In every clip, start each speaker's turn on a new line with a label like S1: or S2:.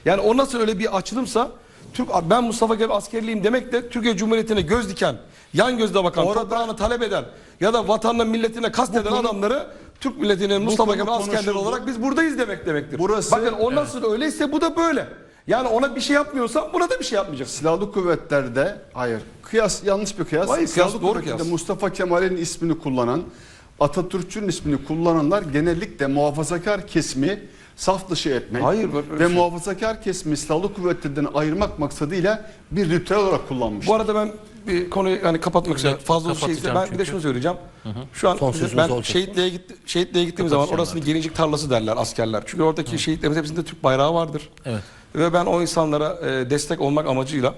S1: Yani o nasıl öyle bir açılımsa, ben Mustafa Kemal askerliyim demek de Türkiye Cumhuriyeti'ne göz diken, yan gözle bakan, toprağını talep eden ya da vatanına milletine kasteden adamları Türk milletinin Mustafa Kemal askerleri olarak biz buradayız demektir. Bakın o nasıl öyleyse bu da böyle. Yani ona bir şey yapmıyorsa buna da bir şey yapmayacak.
S2: Silahlı kuvvetlerde hayır. Kıyas yanlış bir kıyas.
S1: Hayır,
S2: Silahlı
S1: doğru
S2: kuvvetlerde
S1: kıyas.
S2: Mustafa Kemal'in ismini kullanan, Atatürk'ün ismini kullananlar genellikle muhafazakar kesimi saf dışı etmek ve muhafazakar kesimi silahlı kuvvetlerden ayırmak maksadıyla bir ritüel olarak kullanmışlar.
S1: Bu arada ben bir konuyu yani kapatmak üzere fazla bir şeyse ben bir de şunu söyleyeceğim. Şu an ben şehitliğe gittiğim zaman orasını gelincik tarlası derler askerler. Çünkü oradaki şehitlerimizin hepsinde Türk bayrağı vardır.
S3: Evet.
S1: Ve ben o insanlara destek olmak amacıyla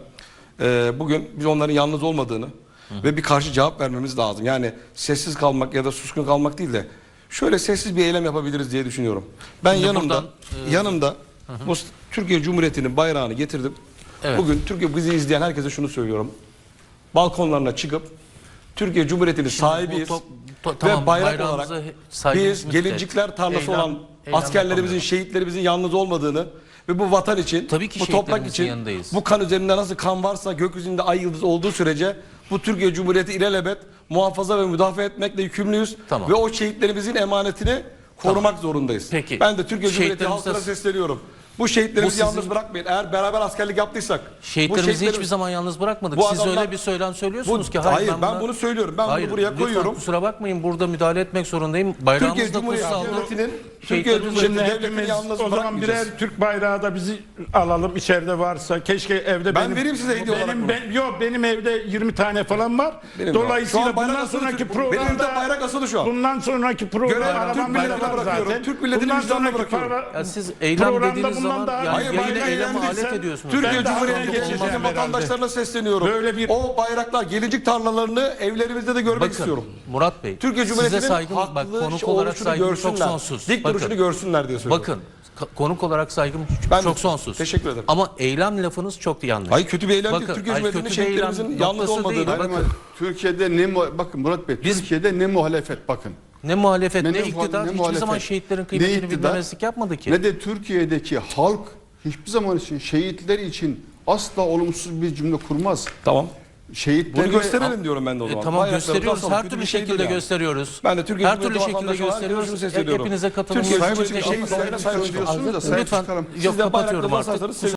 S1: bugün biz onların yalnız olmadığını ve bir karşı cevap vermemiz lazım. Yani sessiz kalmak ya da suskun kalmak değil de şöyle sessiz bir eylem yapabiliriz diye düşünüyorum. Ben
S3: şimdi
S1: yanımda bu Türkiye Cumhuriyeti'nin bayrağını getirdim.
S3: Evet.
S1: Bugün Türkiye bizi izleyen herkese şunu söylüyorum. Balkonlarına çıkıp Türkiye Cumhuriyeti'nin sahibiyiz ve bayrak olarak biz gelincikler tarlası olan askerlerimizin, şehitlerimizin yalnız olmadığını ve bu vatan için, bu toprak için, yanındayız. Bu kan üzerinde nasıl kan varsa gökyüzünde ay yıldız olduğu sürece bu Türkiye Cumhuriyeti ilelebet muhafaza ve müdafaa etmekle yükümlüyüz. Ve o şehitlerimizin emanetini korumak zorundayız.
S3: Peki.
S1: Ben de Türkiye Cumhuriyeti halkına sesleniyorum. Bu şehitlerimizi yalnız bırakmayın. Eğer beraber askerlik yaptıysak.
S3: Şehitlerimizi hiçbir zaman yalnız bırakmadık. Siz öyle bir söylem söylüyorsunuz ki.
S1: Hayır ben bunu söylüyorum. Ben bunu buraya koyuyorum.
S3: Kusura bakmayın, burada müdahale etmek zorundayım. Bayrağımız da kutsaldır.
S1: Türkiye Cumhuriyeti devletini yalnız
S4: o zaman birer Türk bayrağı da bizi alalım, içeride varsa. Keşke evde
S1: ben vereyim size hediye olarak
S4: benim evde 20 tane falan var. Dolayısıyla bundan sonraki programda
S1: bayrak asılı şu an.
S4: Bundan sonraki programda
S1: Türk milletine bırakıyorum. Türk milletinin vicdanına bırakıyorum.
S3: Siz eylem dediğiniz zaman
S1: hayır,
S3: yine eyleme alet ediyorsunuz.
S1: Türkiye Cumhuriyeti geçmişinin vatandaşlarına sesleniyorum. O bayraklar, gelincik tarlalarını evlerimizde de görmek istiyorum.
S3: Murat Bey,
S1: Türkiye Cumhuriyeti'nin haklı
S3: konuk olarak saygım çok sonsuz.
S1: Dik duruşunu görsünler diye söylüyorum.
S3: Bakın, konuk olarak saygım çok sonsuz.
S1: Teşekkür ederim.
S3: Ama eylem lafınız çok yanlış.
S1: Hayır, kötü bir eylem değil. Türkiye Cumhuriyeti'nin şehitlerimizin yalnız olmadığını.
S2: Türkiye'de bakın Murat Bey, Türkiye'de ne muhalefet bakın.
S3: Ne muhalefet, ne iktidar hiçbir zaman şehitlerin kıymetini bilmemezlik yapmadı ki.
S2: Ne de Türkiye'deki halk hiçbir zaman için şehitler için asla olumsuz bir cümle kurmaz.
S1: Tamam.
S2: Şehitleri
S1: bunu gösterelim diyorum ben de o zaman.
S3: Tamam, gösteriyoruz. Her türlü şekilde gösteriyoruz.
S1: Ben de Türkiye
S3: her türlü şekilde gösteriyoruz. Hepinize katılımınız için
S2: şehitlerine sahip çıkıyorsunuz da sahip çıkalım.
S3: Lütfen, yok kapatıyorum artık.